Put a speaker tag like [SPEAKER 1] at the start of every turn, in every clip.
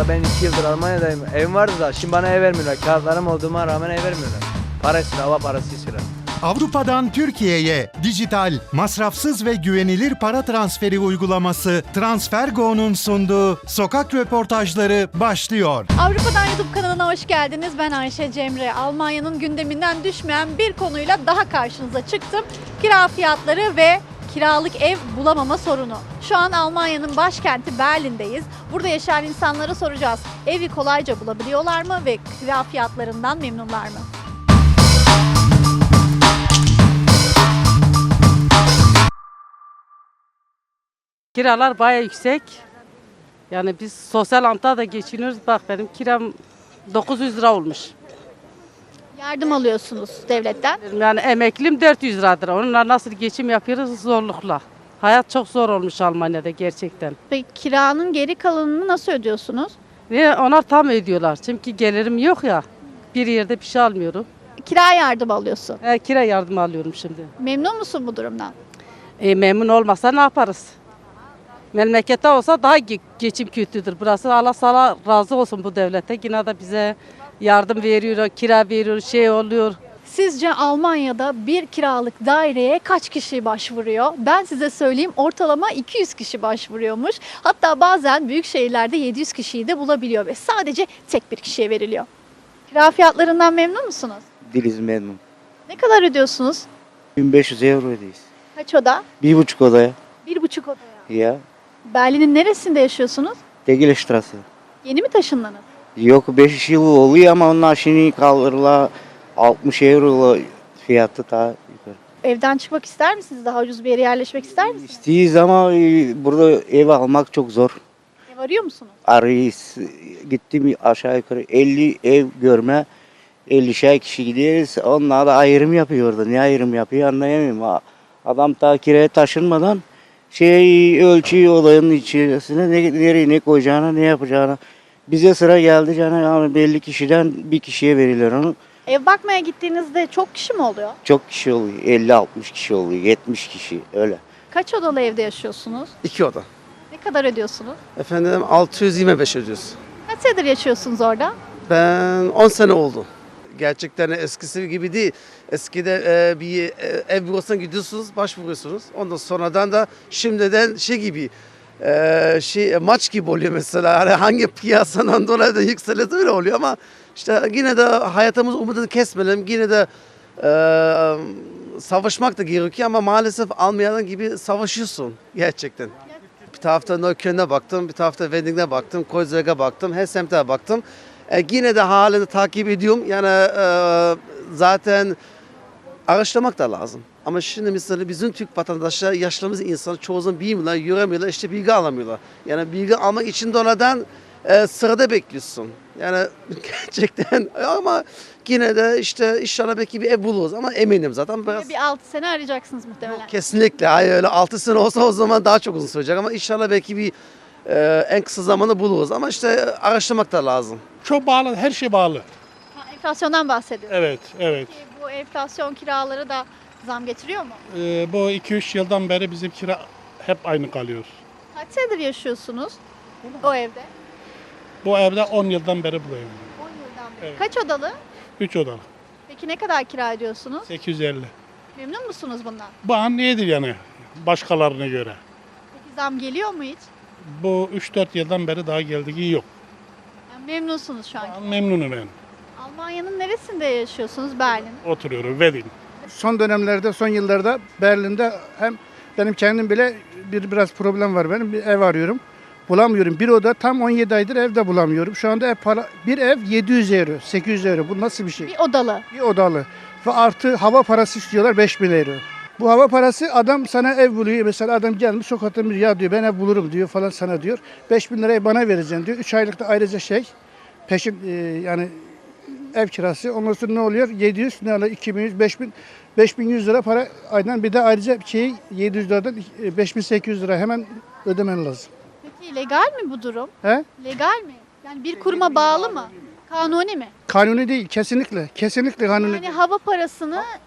[SPEAKER 1] Hatta ben 2 yıldır Almanya'dayım. Evim vardı da şimdi bana ev vermiyorlar. Kağıtlarım olduğuma rağmen ev vermiyorlar. Para istiyor, hava parası istiyorlar.
[SPEAKER 2] Avrupa'dan Türkiye'ye dijital, masrafsız ve güvenilir para transferi uygulaması TransferGo'nun sunduğu sokak röportajları başlıyor.
[SPEAKER 3] Avrupa'dan YouTube kanalına hoş geldiniz. Ben Ayşe Cemre. Almanya'nın gündeminden düşmeyen bir konuyla daha karşınıza çıktım. Kira fiyatları ve kiralık ev bulamama sorunu. Şu an Almanya'nın başkenti Berlin'deyiz. Burada yaşayan insanlara soracağız. Evi kolayca bulabiliyorlar mı ve kira fiyatlarından memnunlar mı?
[SPEAKER 4] Kiralar bayağı yüksek. Yani biz sosyal amta da geçiniyoruz. Bak benim kiram 900 lira olmuş.
[SPEAKER 3] Yardım alıyorsunuz devletten.
[SPEAKER 4] Yani emeklim 400 liradır. Onunla nasıl geçim yapıyoruz zorlukla. Hayat çok zor olmuş Almanya'da gerçekten.
[SPEAKER 3] Peki kiranın geri kalanını nasıl ödüyorsunuz?
[SPEAKER 4] Ve onlar tam ödüyorlar. Çünkü gelirim yok ya. Bir yerde bir şey almıyorum.
[SPEAKER 3] Kira yardım alıyorsun.
[SPEAKER 4] Kira yardımı alıyorum şimdi.
[SPEAKER 3] Memnun musun bu durumdan?
[SPEAKER 4] Memnun olmasa ne yaparız? Memlekette olsa daha geçim kötüdür. Burası Allah sana razı olsun bu devlete. Yine de bize yardım veriyor, kira veriyor, şey oluyor.
[SPEAKER 3] Sizce Almanya'da bir kiralık daireye kaç kişi başvuruyor? Ben size söyleyeyim, ortalama 200 kişi başvuruyormuş. Hatta bazen büyük şehirlerde 700 kişiyi de bulabiliyor ve sadece tek bir kişiye veriliyor. Kira fiyatlarından memnun musunuz?
[SPEAKER 5] Değiliz memnun.
[SPEAKER 3] Ne kadar ödüyorsunuz?
[SPEAKER 5] 1500 euro ödeyiz.
[SPEAKER 3] Kaç oda?
[SPEAKER 5] 1,5 odaya.
[SPEAKER 3] 1,5 odaya.
[SPEAKER 5] Ya.
[SPEAKER 3] Berlin'in neresinde yaşıyorsunuz?
[SPEAKER 5] Tegel Straße.
[SPEAKER 3] Yeni mi taşındınız?
[SPEAKER 5] Yok 5 yıl oluyor ama onlar şimdi kaldırıla 60 euro fiyatı daha yukarı.
[SPEAKER 3] Evden çıkmak ister misiniz? Daha ucuz bir yere yerleşmek ister misiniz?
[SPEAKER 5] İsteyiz ama burada ev almak çok zor.
[SPEAKER 3] Ev arıyor musunuz?
[SPEAKER 5] Arayız. Gittim aşağı yukarı 50 ev görme. 50'şer kişi gideriz. Onlar da ayrım yapıyor orada. Ne ayrım yapıyor anlayamıyorum. Adam ta kiraya taşınmadan ölçüyor olayın içerisine nereye ne koyacağını ne yapacağını. Bize sıra geldi yani belli kişiden bir kişiye verilir onu.
[SPEAKER 3] Ev bakmaya gittiğinizde çok kişi mi oluyor?
[SPEAKER 5] Çok kişi oluyor. 50-60 kişi oluyor. 70 kişi öyle.
[SPEAKER 3] Kaç odalı evde yaşıyorsunuz?
[SPEAKER 6] 2 oda.
[SPEAKER 3] Ne kadar ödüyorsunuz?
[SPEAKER 6] Efendim 625 ödüyoruz.
[SPEAKER 3] Kaç senedir yaşıyorsunuz orada?
[SPEAKER 6] Ben 10 sene oldu. Gerçekten eskisi gibi değil. Eskide bir ev bürosuna gidiyorsunuz, başvuruyorsunuz. Ondan sonradan da şimdiden gibi maç gibi oluyor mesela. Hani hangi piyasadan dolayı da yükselirse öyle oluyor ama işte yine de hayatımız umudunu kesmeyelim. Yine de savaşmak da gerekiyor ama maalesef almayan gibi savaşıyorsun gerçekten. Bir tarafta Neukölln'e baktım, bir tarafta Wedding'e baktım, Kreuzberg'e baktım, her semte baktım. Yine de halini takip ediyorum. Yani zaten araştırmak da lazım. Ama şimdi mesela bizim Türk vatandaşlar, yaşlarımız insanı çoğu zaman bilmiyorlar, yüremiyorlar, işte bilgi alamıyorlar. Yani bilgi almak için de oradan sırada bekliyorsun. Yani gerçekten ama yine de işte inşallah belki bir ev buluruz ama eminim zaten biraz.
[SPEAKER 3] Bir 6 sene arayacaksınız muhtemelen.
[SPEAKER 6] Kesinlikle. Hayır öyle 6 sene olsa o zaman daha çok uzun sürecek ama inşallah belki bir en kısa zamanda buluruz. Ama işte araştırmak da lazım.
[SPEAKER 7] Çok bağlı, her şey bağlı.
[SPEAKER 3] Ha, enflasyondan bahsediyoruz.
[SPEAKER 7] Evet, evet.
[SPEAKER 3] Peki bu enflasyon kiraları da zam getiriyor mu?
[SPEAKER 7] Bu 2-3 yıldan beri bizim kira hep aynı kalıyor.
[SPEAKER 3] Kaç senedir yaşıyorsunuz o evde?
[SPEAKER 7] Bu evde 10 yıldan beri buradayım.
[SPEAKER 3] 10 yıldan beri.
[SPEAKER 7] Evet.
[SPEAKER 3] Kaç odalı?
[SPEAKER 7] 3 odalı,
[SPEAKER 3] Peki ne kadar kira ödüyorsunuz?
[SPEAKER 7] 850.
[SPEAKER 3] Memnun musunuz bundan?
[SPEAKER 7] Bu an iyidir yani başkalarına göre.
[SPEAKER 3] Peki zam geliyor mu hiç?
[SPEAKER 7] Bu 3-4 yıldan beri daha geldiği yok.
[SPEAKER 3] Yani memnunsunuz şu an.
[SPEAKER 7] Ben memnunum ben.
[SPEAKER 3] Almanya'nın neresinde yaşıyorsunuz? Berlin.
[SPEAKER 7] Oturuyorum, Wedding.
[SPEAKER 8] Son dönemlerde, son yıllarda Berlin'de hem benim kendim bile biraz problem var benim. Bir ev arıyorum. Bulamıyorum. Bir oda tam 17 aydır evde bulamıyorum. Şu anda bir ev 700 euro, 800 euro. Bu nasıl bir şey?
[SPEAKER 3] Bir odalı.
[SPEAKER 8] Bir odalı. Ve artı hava parası istiyorlar 5000 euro. Bu hava parası adam sana ev buluyor. Mesela adam gelmiş sokakta ya diyor ben ev bulurum diyor falan sana diyor. 5000 lirayı bana vereceksin diyor. 3 aylıkta ayrıca peşin yani ev kirası. Ondan sonra ne oluyor? 700 ne oluyor? 2100, 5100 lira para aydan bir de ayrıca 700 liradan 5800 lira hemen ödemen lazım.
[SPEAKER 3] Peki legal mi bu durum?
[SPEAKER 8] He?
[SPEAKER 3] Legal mi? Yani bir kuruma bağlı mı? Kanuni mi?
[SPEAKER 8] Kanuni değil kesinlikle. Kesinlikle kanuni
[SPEAKER 3] Yani
[SPEAKER 8] değil.
[SPEAKER 3] hava parasını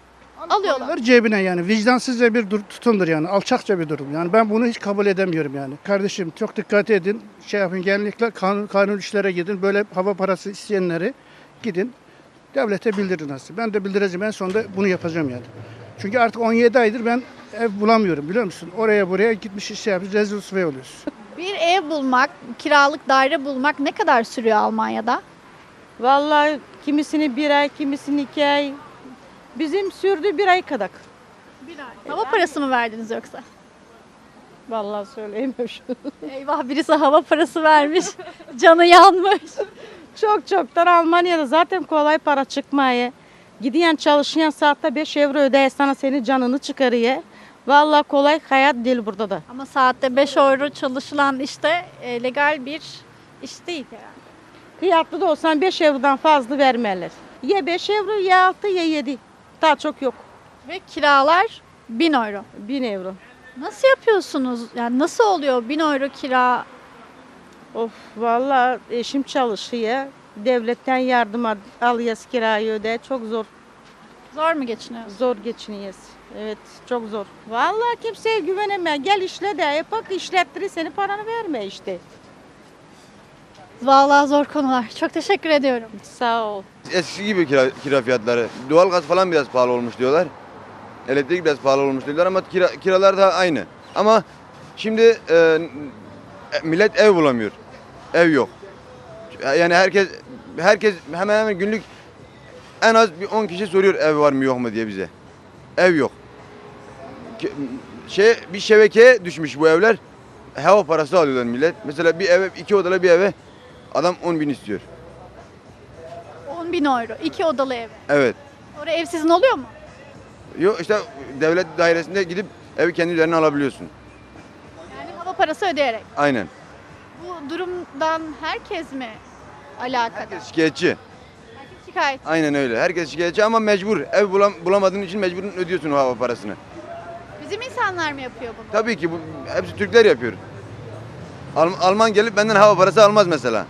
[SPEAKER 3] alıyorlar.
[SPEAKER 8] Cebine yani vicdansızca bir tutumdur yani alçakça bir durum. Yani ben bunu hiç kabul edemiyorum yani. Kardeşim çok dikkat edin. Şey yapın genellikle kanun işlere gidin. Böyle hava parası isteyenleri gidin. Devlete bildirin aslında. Ben de bildireceğim. En sonunda bunu yapacağım yani. Çünkü artık 17 aydır ben ev bulamıyorum biliyor musun? Oraya buraya gitmiş şey yapıyoruz. Rezil rüsvay oluyoruz.
[SPEAKER 3] Bir ev bulmak, kiralık daire bulmak ne kadar sürüyor Almanya'da?
[SPEAKER 4] Vallahi kimisini 1 ay, kimisini 2 ay. Bizim sürdü 1 ay kadar.
[SPEAKER 3] Bir ay. Hava parası mı verdiniz yoksa?
[SPEAKER 4] Vallahi söyleyemiyorum şu.
[SPEAKER 3] Eyvah birisi hava parası vermiş. Canı yanmış.
[SPEAKER 4] Çok çoktan Almanya'da zaten kolay para çıkmaya. Gidiyen çalışayan saatte 5 euro ödeye sana senin canını çıkarıyor. Vallahi kolay hayat değil burada da.
[SPEAKER 3] Ama saatte 5 euro çalışılan işte legal bir iş değil herhalde.
[SPEAKER 4] Fiyatlı da olsan 5 eurodan fazla vermeler. Ya 5 euro ya 6 ya 7. Daha çok yok.
[SPEAKER 3] Ve kiralar 1000 euro.
[SPEAKER 4] 1000 euro.
[SPEAKER 3] Nasıl yapıyorsunuz? Yani nasıl oluyor 1000 euro kira?
[SPEAKER 4] Of vallahi eşim çalışıyor. Devletten yardım alıyoruz kirayı öde. Çok zor.
[SPEAKER 3] Zor mu geçiniyorsunuz?
[SPEAKER 4] Zor geçiniyoruz. Evet çok zor. Vallahi kimseye güveneme. Gel işle de yapak işlettirir seni paranı verme işte.
[SPEAKER 3] Vallahi zor konular. Çok teşekkür ediyorum.
[SPEAKER 4] Sağ ol.
[SPEAKER 9] Eskisi gibi kira fiyatları. Doğalgaz falan biraz pahalı olmuş diyorlar. Elektrik biraz pahalı olmuş diyorlar ama kiralar da aynı. Ama şimdi millet ev bulamıyor. Ev yok. Yani herkes hemen hemen günlük en az bir 10 kişi soruyor ev var mı yok mu diye bize. Ev yok. Bir şebekeye düşmüş bu evler. Hava parası alıyorlar millet. Mesela bir eve 2 odalı bir eve adam 10.000 istiyor.
[SPEAKER 3] 10.000 euro. 2 odalı ev.
[SPEAKER 9] Evet.
[SPEAKER 3] Orada ev sizin oluyor mu?
[SPEAKER 9] Yok işte devlet dairesinde gidip evi kendi üzerine alabiliyorsun.
[SPEAKER 3] Yani hava parası ödeyerek.
[SPEAKER 9] Aynen.
[SPEAKER 3] Bu durumdan herkes mi alakadar?
[SPEAKER 9] Herkes şikayetçi.
[SPEAKER 3] Herkes şikayet.
[SPEAKER 9] Aynen öyle. Herkes şikayetçi ama mecbur. Ev bulamadığın için mecburun ödüyorsun o hava parasını.
[SPEAKER 3] Bizim insanlar mı yapıyor bunu?
[SPEAKER 9] Tabii ki bu hepsi Türkler yapıyor. Alman gelip benden hava parası almaz mesela.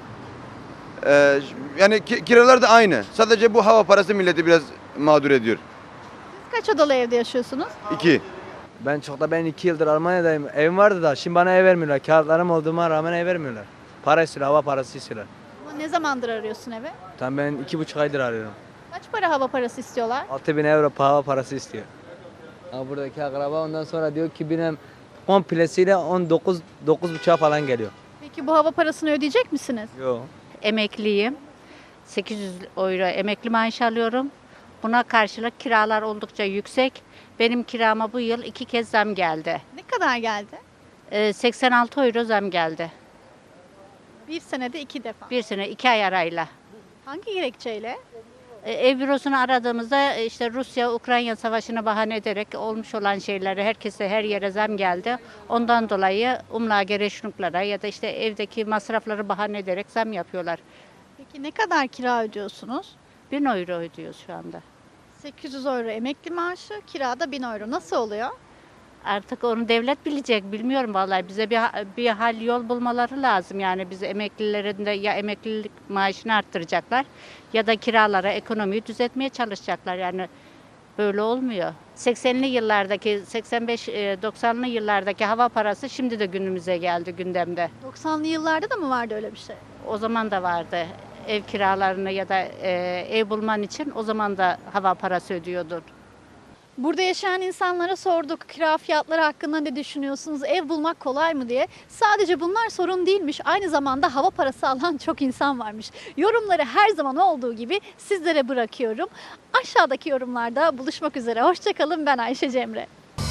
[SPEAKER 9] Yani kiralar da aynı. Sadece bu hava parası milleti biraz mağdur ediyor.
[SPEAKER 3] Siz kaç odalı evde yaşıyorsunuz?
[SPEAKER 9] 2.
[SPEAKER 1] Ben 2 yıldır Almanya'dayım. Evim vardı da şimdi bana ev vermiyorlar. Kağıtlarım olduğuma rağmen ev vermiyorlar. Para istiyorlar, hava parası istiyorlar.
[SPEAKER 3] Ama ne zamandır arıyorsun evi?
[SPEAKER 1] Tam ben 2,5 aydır arıyorum.
[SPEAKER 3] Kaç para hava parası istiyorlar?
[SPEAKER 1] 6.000 euro hava parası istiyor. Ha, buradaki akraba ondan sonra diyor ki benim komplesiyle 9,5'a falan geliyor.
[SPEAKER 3] Peki bu hava parasını ödeyecek misiniz?
[SPEAKER 1] Yok.
[SPEAKER 10] Emekliyim. 800 euro emekli maaş alıyorum. Buna karşılık kiralar oldukça yüksek. Benim kirama bu yıl 2 kez zam geldi.
[SPEAKER 3] Ne kadar geldi?
[SPEAKER 10] 86 euro zam geldi.
[SPEAKER 3] Bir senede 2 defa.
[SPEAKER 10] Bir sene 2 ay arayla.
[SPEAKER 3] Hangi gerekçeyle?
[SPEAKER 10] Ev bürosunu aradığımızda işte Rusya-Ukrayna savaşını bahane ederek olmuş olan şeyleri herkese her yere zam geldi. Ondan dolayı umlagereşnuklara ya da işte evdeki masrafları bahane ederek zam yapıyorlar.
[SPEAKER 3] Peki ne kadar kira ödüyorsunuz?
[SPEAKER 10] 1000 euro ödüyoruz şu anda.
[SPEAKER 3] 800 euro emekli maaşı, kirada 1000 euro. Nasıl oluyor?
[SPEAKER 10] Artık onu devlet bilecek. Bilmiyorum vallahi. Bize bir hal yol bulmaları lazım. Yani biz emeklilerin de ya emeklilik maaşını arttıracaklar ya da kiralara, ekonomiyi düzeltmeye çalışacaklar. Yani böyle olmuyor. 80'li yıllardaki, 85-90'lı yıllardaki hava parası şimdi de günümüze geldi gündemde.
[SPEAKER 3] 90'lı yıllarda da mı vardı öyle bir şey?
[SPEAKER 10] O zaman da vardı. Ev kiralarını ya da ev bulman için o zaman da hava parası ödüyordun.
[SPEAKER 3] Burada yaşayan insanlara sorduk kira fiyatları hakkında ne düşünüyorsunuz, ev bulmak kolay mı diye. Sadece bunlar sorun değilmiş, aynı zamanda hava parası alan çok insan varmış. Yorumları her zaman olduğu gibi sizlere bırakıyorum. Aşağıdaki yorumlarda buluşmak üzere. Hoşçakalın, ben Ayşe Cemre.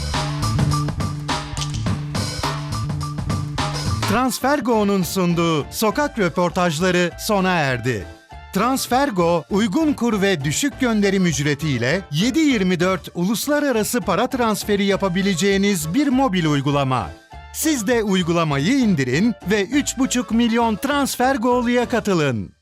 [SPEAKER 2] Transfergo'nun sunduğu sokak röportajları sona erdi. Transfergo, uygun kur ve düşük gönderim ücretiyle 7/24 uluslararası para transferi yapabileceğiniz bir mobil uygulama. Siz de uygulamayı indirin ve 3,5 milyon Transfergo'luya katılın.